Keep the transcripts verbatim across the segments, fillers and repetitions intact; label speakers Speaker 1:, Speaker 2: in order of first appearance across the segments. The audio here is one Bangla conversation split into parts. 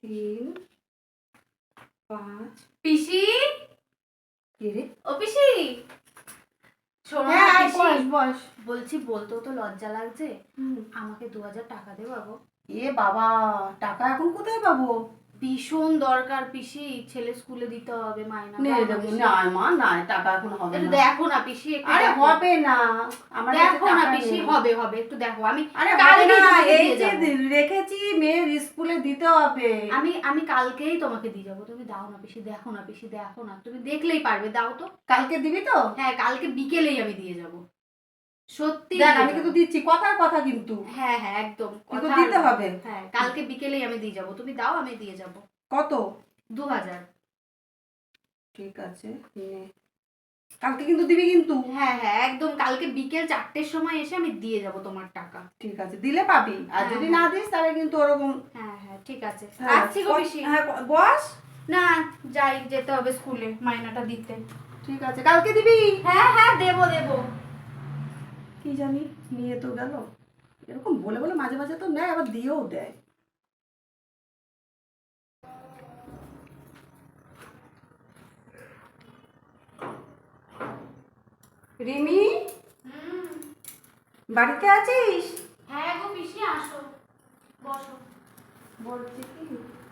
Speaker 1: তিন পাঁচ।
Speaker 2: পিসি
Speaker 1: কি রে?
Speaker 2: ও পিসি শোনো না
Speaker 1: হ্যাঁ
Speaker 2: পিসি,
Speaker 1: বস বস।
Speaker 2: বলছি বলতেও তো লজ্জা লাগছে, আমাকে দু হাজার টাকা দে বাবু।
Speaker 1: এ বাবা, টাকা এখন কোথায় পাবো?
Speaker 2: ভীষণ দরকার পিসি, ছেলে স্কুলে দিতে হবে মাইনা।
Speaker 1: নে
Speaker 2: দাও না
Speaker 1: দেবো
Speaker 2: পিসি।
Speaker 1: না মা, না টাকা এখন হবে
Speaker 2: একটু
Speaker 1: না।
Speaker 2: দেখো না পিসি, একটু
Speaker 1: আরে
Speaker 2: দেখো।
Speaker 1: হবে না, আমার কাছে
Speaker 2: দেখো না
Speaker 1: টাকা
Speaker 2: পিসি,
Speaker 1: নেই।
Speaker 2: হবে হবে একটু দেখো। আমি
Speaker 1: আরে হবে
Speaker 2: কালকেই
Speaker 1: না,
Speaker 2: তোমাকে
Speaker 1: এই
Speaker 2: দিয়ে
Speaker 1: যে
Speaker 2: যাবো।
Speaker 1: রেখেছি মেয়ের স্কুলে দিতে হবে।
Speaker 2: আমি আমি কালকেই তোমাকে দিয়ে যাবো, তুমি দাও না পিসি, দেখো না পিসি, দেখো না, তুমি দেখলেই পারবে, দাও তো।
Speaker 1: কালকে দিবি তো?
Speaker 2: হ্যাঁ কালকে বিকেলেই আমি দিয়ে যাবো, সত্যি
Speaker 1: দেখ
Speaker 2: দিয়ে
Speaker 1: আমি কিন্তু
Speaker 2: যাবো।
Speaker 1: দিচ্ছি, কথার কথা কিন্তু।
Speaker 2: হ্যাঁ হ্যাঁ একদম
Speaker 1: কিন্তু
Speaker 2: কথা
Speaker 1: দিতে
Speaker 2: আর-
Speaker 1: হবে।
Speaker 2: হ্যাঁ কালকে বিকেলেই আমি দিয়ে যাবো, তুমি দাও আমি দিয়ে যাবো।
Speaker 1: কত?
Speaker 2: দু হাজার।
Speaker 1: ঠিক আছে নে। কালকে কিন্তু দিবি কিন্তু।
Speaker 2: হ্যাঁ হ্যাঁ একদম কালকে বিকেল চারটের সময় এসে আমি দিয়ে যাবো তোমার টাকা।
Speaker 1: ঠিক আছে, দিলে পাবি, আর
Speaker 2: হ্যাঁ,
Speaker 1: যদি
Speaker 2: হ্যাঁ।
Speaker 1: না দিস তাহলে কিন্তু ওরকম।
Speaker 2: হ্যাঁ হ্যাঁ ঠিক আছে,
Speaker 1: হ্যাঁ,
Speaker 2: আসছি গো পিসি।
Speaker 1: হ্যাঁ বস।
Speaker 2: না যাই, যেতে হবে স্কুলে মাইনাটা দিতে।
Speaker 1: ঠিক আছে, কালকে দিবি।
Speaker 2: হ্যাঁ হ্যাঁ দেবো দেবো।
Speaker 1: কি জানি নিয়ে তো গেল, এরকম বলে বলে মাঝে মাঝে তো নেয় আবার দিয়েও দেয়। রিমি,
Speaker 2: হুম।
Speaker 1: বাড়িতে আছিস?
Speaker 2: হ্যাঁ গো পিসি আসো, বসো।
Speaker 1: বলছি কি,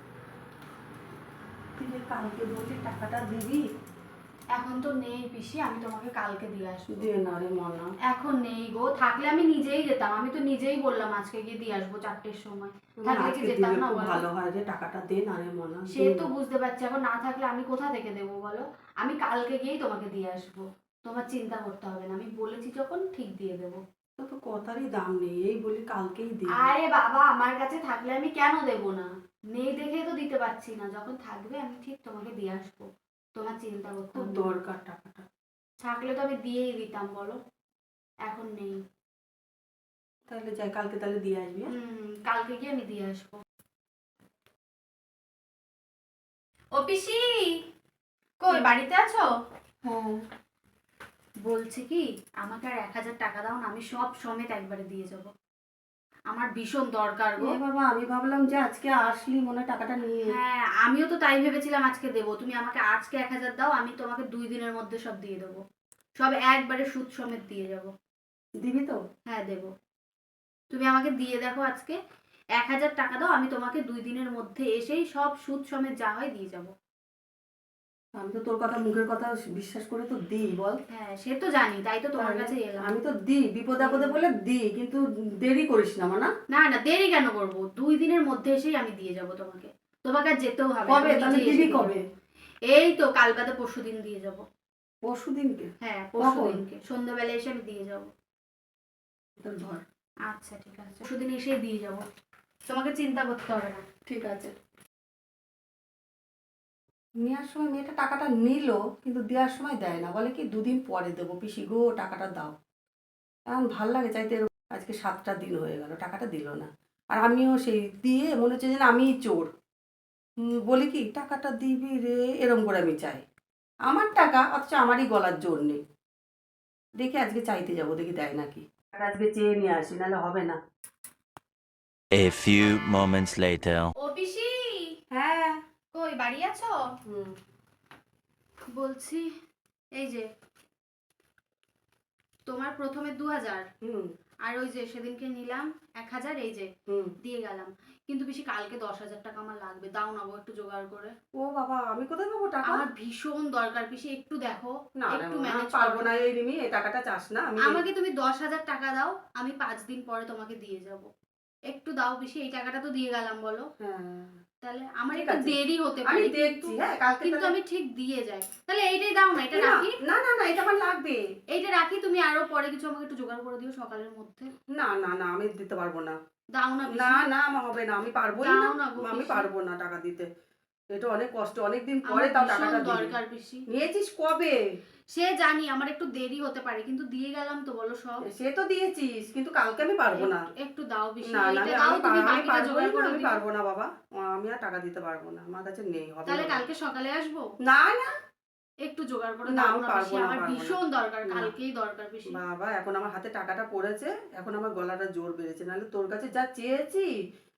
Speaker 1: তুই যে কালকে বলছি টাকাটা দিবি।
Speaker 2: এখন তো নেই পিসি, আমি তোমাকে কালকে দিয়ে আসবো।
Speaker 1: দে না রে মনা।
Speaker 2: এখন নেই গো, থাকলে আমি নিজেই যেতাম, আমি তো নিজেই বললাম আজকে গিয়ে দিয়ে আসবো চারটের সময়। থাকলে কি
Speaker 1: আজকে
Speaker 2: যেতাম
Speaker 1: দিলে
Speaker 2: না
Speaker 1: খুব
Speaker 2: বলো?
Speaker 1: ভালো হয় রে, টাকাটা দে না রে মনা।
Speaker 2: সে তো বুঝতে পারছি, এখন না থাকলে আমি কোথা থেকে দেবো বলো? আমি কালকে গিয়েই তোমাকে দিয়ে আসবো, তোমার চিন্তা করতে হবে না, আমি বলেছি যখন ঠিক দিয়ে দেবো।
Speaker 1: তো তো কথারই দাম নেই, এই বলি কালকেই দিবি।
Speaker 2: আরে বাবা, আমার কাছে থাকলে আমি কেন দেবো না? নেই দেখেই তো দিতে পারছি না, যখন থাকবে আমি ঠিক তোমাকে দিয়ে আসবো, তোমার চিন্তা করতে
Speaker 1: খুব
Speaker 2: হবে না।
Speaker 1: দরকার টাকাটা।
Speaker 2: থাকলে তো আমি দিয়েই দিতাম বলো, এখন নেই।
Speaker 1: তাহলে যাই, কালকে তাহলে দিয়ে আসবি। হ্যাঁ?
Speaker 2: হুম কালকে গিয়ে আমি দিয়ে আসবো। ও পিসি, কই বাড়িতে আছো?
Speaker 1: হ্যাঁ।
Speaker 2: বলছি কি, আমাকে আর এক হাজার টাকা দাও না, আমি সব সমেত একবারে দিয়ে যাব, আমার ভীষণ দরকার গো।
Speaker 1: এ বাবা, আমি ভাবলাম যে আজকে আসলি মনে হয় টাকাটা নিয়ে।
Speaker 2: হ্যাঁ আমিও তো তাই ভেবেছিলাম আজকে দেবো, তুমি আমাকে আজকে এক হাজার দাও, আমি তোমাকে দুই দিনের মধ্যে সব দিয়ে দেবো, সব একবারে সুদ সমেত দিয়ে যাব।
Speaker 1: দিবি তো?
Speaker 2: হ্যাঁ দেবো, তুমি আমাকে দিয়ে দেখো আজকে এক হাজার টাকা দাও, আমি তোমাকে দুই দিনের মধ্যে এসেই সব সুদ সমেত যা হয় দিয়ে যাব।
Speaker 1: আমি তো তোর কথা, মুখের কথা বিশ্বাস করে তো দিই বল।
Speaker 2: হ্যাঁ সে তো জানি, তাই তো তোমার কাছে এলাম।
Speaker 1: আমি তো দিই, বিপদে আপদে বলে দিই, কিন্তু দেরি করিস না মানা।
Speaker 2: না না দেরি কেন করবো, দুই দিনের মধ্যে এসেই আমি দিয়ে যাব তোমাকে, তোমাকে আর যেতেও হবে না,
Speaker 1: কবে
Speaker 2: তুমি
Speaker 1: তাহলে
Speaker 2: নিজেই এসে
Speaker 1: দিবি
Speaker 2: দিয়ে
Speaker 1: কবে?
Speaker 2: যাবে। এই তো কাল বাদে পরশু দিন দিয়ে যাব।
Speaker 1: পরশু দিনকে?
Speaker 2: হ্যাঁ পরশু
Speaker 1: কখন?
Speaker 2: দিনকে সন্ধ্যাবেলা এসে আমি দিয়ে যাব।
Speaker 1: তোর ধর।
Speaker 2: আচ্ছা ঠিক আছে, পরশু দিন এসেই দিয়ে যাব, তোমাকে চিন্তা করতে হবে না।
Speaker 1: ঠিক আছে। নেওয়ার সময় মেয়েটা টাকাটা নিল, কিন্তু দেওয়ার সময় দেয় না, বলে কি দুদিন পরে দেবো পিসি গো, টাকাটা দাও। এখন ভাল লাগে চাইতে, আজকে সাতটা দিন হয়ে গেল টাকাটা দিল না। আর আমিও সেই দিয়ে মনে হচ্ছে যেন আমিই চোর। হুম, বলি কি টাকাটা দিবি রে, এরম করে আমি চাই। আমার টাকা, অথচ আমারই গলার জোর নেই। দেখি আজকে চাইতে যাবো, দেখি দেয় নাকি। আর আজকে চেয়ে নিয়ে আসি, নাহলে হবে না।
Speaker 3: A few moments later.
Speaker 2: ও পিসি,
Speaker 1: হ্যাঁ।
Speaker 2: কই বাড়ি আছো?
Speaker 1: হুম।
Speaker 2: বলছি এই যে তোমার প্রথমে দু হাজার,
Speaker 1: হুম।
Speaker 2: আর ওই যে সেদিনকে নিলাম এক হাজার, এই যে
Speaker 1: হুম।
Speaker 2: দিয়ে গেলাম, কিন্তু বেশি কালকে দশ হাজার টাকা আমার লাগবে, দাও না গো একটু জোগাড় করে।
Speaker 1: ও বাবা, আমি কোথায় পাবো টাকা?
Speaker 2: আমার ভীষণ দরকার পিসি, একটু দেখো,
Speaker 1: না রে
Speaker 2: একটু
Speaker 1: মা,
Speaker 2: ম্যানেজ
Speaker 1: পারবো
Speaker 2: করো।
Speaker 1: না এই রিমি, এই টাকাটা চাস না। আমি
Speaker 2: আমাকে তুমি দশ হাজার টাকা দাও, আমি পাঁচ দিন পরে তোমাকে দিয়ে যাব, একটু দাও পিসি, এই টাকাটা তো দিয়ে গেলাম বলো।
Speaker 1: হ্যাঁ।
Speaker 2: তাহলে আমার
Speaker 1: ঠিক
Speaker 2: একটু
Speaker 1: আছে,
Speaker 2: দেরি হতে
Speaker 1: আমি
Speaker 2: পারে
Speaker 1: দেখছি।
Speaker 2: কিন্তু
Speaker 1: হ্যাঁ কালকে
Speaker 2: কিন্তু
Speaker 1: তাহলে-
Speaker 2: আমি ঠিক দিয়ে যাই, তাহলে এইটাই দাও না, এটা
Speaker 1: না
Speaker 2: রাখি।
Speaker 1: না না না, এটা আমার লাগবে।
Speaker 2: এইটা রাখি, তুমি আরো পরে কিছু আমাকে একটু জোগাড় করে দিও সকালের মধ্যে।
Speaker 1: না না না, আমি দিতে পারবো না।
Speaker 2: দাও না পিসি।
Speaker 1: না না, আমার হবে না, আমি পারবোই
Speaker 2: দাও
Speaker 1: না।
Speaker 2: না গো
Speaker 1: আমি
Speaker 2: পিসি।
Speaker 1: পারবো না টাকা দিতে, এটা অনেক কষ্ট, অনেক দিন পরে
Speaker 2: আমার
Speaker 1: তাও
Speaker 2: ভীষণ
Speaker 1: টাকাটা দিবি।
Speaker 2: দরকার পিসি।
Speaker 1: নিয়েছিস কবে?
Speaker 2: সে জানি আমার একটু দেরি হতে পারে, কিন্তু দিয়ে গেলাম তো বলো সব।
Speaker 1: সে তো দিয়েছিস, কিন্তু কালকে আমি পারবো না।
Speaker 2: একটু- একটু দাও পিসি,
Speaker 1: না না,
Speaker 2: এইটা
Speaker 1: আমি
Speaker 2: দাও,
Speaker 1: আমি
Speaker 2: তুমি
Speaker 1: পার- আমি
Speaker 2: বাকিটা
Speaker 1: পারবোই
Speaker 2: জোগাড়
Speaker 1: না,
Speaker 2: করে
Speaker 1: আমি
Speaker 2: দিও।
Speaker 1: পারবো না বাবা, আমি আর টাকা দিতে পারবো না, আমার কাছে নেই, হবে
Speaker 2: তাহলে
Speaker 1: না।
Speaker 2: কালকে সকালে আসবো,
Speaker 1: না না
Speaker 2: একটু জোগাড় করে
Speaker 1: না,
Speaker 2: দাও
Speaker 1: আমি
Speaker 2: না
Speaker 1: পারবো
Speaker 2: পিসি,
Speaker 1: না,
Speaker 2: আমার
Speaker 1: পারবো না।
Speaker 2: ভীষণ দরকার,
Speaker 1: না।
Speaker 2: কালকেই দরকার পিসি।
Speaker 1: বাবা, এখন আমার হাতে টাকাটা পড়েছে, এখন আমার গলাটা জোর বেড়েছে, নাহলে তোর কাছে যা চেয়েছি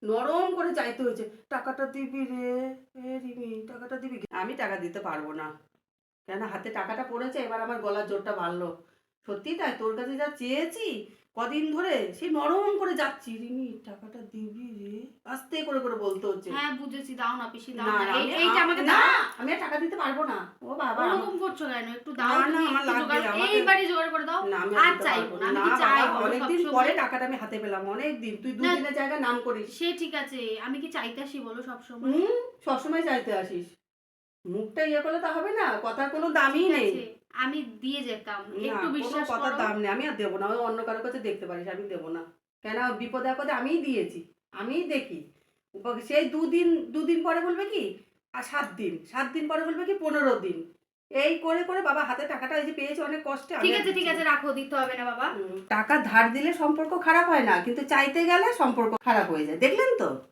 Speaker 1: নরম করে চাইতে হয়েছে, টাকাটা দিবি রে এ রিমি, টাকাটা দিবি। আমি টাকা দিতে পারবো না, কেন হাতে টাকাটা পড়েছে, এবার আমার গলার জোরটা বাড়লো। সত্যি তাই, তোর কাছে যা চেয়েছি কদিন ধরে, সে নরম করে যাচ্ছি, রিমি টাকাটা দিবি রে, আস্তে করে করে বলতে হচ্ছে।
Speaker 2: হ্যাঁ বুঝেছি, দাও না পিসি, দাও
Speaker 1: না,
Speaker 2: না,
Speaker 1: না,
Speaker 2: এই-
Speaker 1: আমি-
Speaker 2: এইটা আমাকে
Speaker 1: না,
Speaker 2: দাও।
Speaker 1: আমি আর টাকা দিতে পারবো না। ও বাবা, আমার-
Speaker 2: ওরকম করছো কেন? একটু দাও
Speaker 1: না, না,
Speaker 2: তুমি,
Speaker 1: আমার
Speaker 2: একটু
Speaker 1: লাগবে,
Speaker 2: জোগাড়-
Speaker 1: আমাকে-
Speaker 2: এইবারই জোগাড় করে দাও।
Speaker 1: না, আমি
Speaker 2: আর
Speaker 1: দিতে
Speaker 2: চাইবো
Speaker 1: পারবো
Speaker 2: না, আমি
Speaker 1: না
Speaker 2: কি
Speaker 1: বাবা,
Speaker 2: চাইবো
Speaker 1: অনেকদিন
Speaker 2: সবসময়?
Speaker 1: পরে টাকাটা আমি হাতে পেলাম, অনেকদিন। তুই
Speaker 2: না।
Speaker 1: দুদিনের জায়গায় নাম করিস।
Speaker 2: সে ঠিক আছে, আমি কি চাইতে আসি বলো সবসময়?
Speaker 1: হুম, সবসময় চাইতে আসিস, মুখটা ইয়ে করলে তা হবে না, কথার কোনো দামই
Speaker 2: ঠিক
Speaker 1: নেই।
Speaker 2: আছে, আমি দিয়ে যেতাম,
Speaker 1: না,
Speaker 2: একটু
Speaker 1: কোনো
Speaker 2: বিশ্বাস
Speaker 1: কথার
Speaker 2: করো।
Speaker 1: দাম নেই, আমি আর দেবো না। ওই অন্য কারোর কাছে দেখতে পারিস, আমি দেবো না। কেন, বিপদে আপদে আমিই দিয়েছি, আমিই দেখি। উপ- সেই দুদিন দুদিন পরে বলবে কি, আর সাত দিন সাত দিন পরে বলবে কি পনেরো দিন, এই করে করে বাবা হাতে টাকাটা এই যে পেয়েছি অনেক কষ্টে। আমি
Speaker 2: ঠিক
Speaker 1: আর
Speaker 2: আছে ঠিক
Speaker 1: দিচ্ছি
Speaker 2: আছে,
Speaker 1: না।
Speaker 2: রাখো, দিতে হবে না বাবা।
Speaker 1: হুম, টাকা ধার দিলে সম্পর্ক খারাপ হয় না, কিন্তু চাইতে গেলে সম্পর্ক খারাপ হয়ে যায়, দেখলেন তো।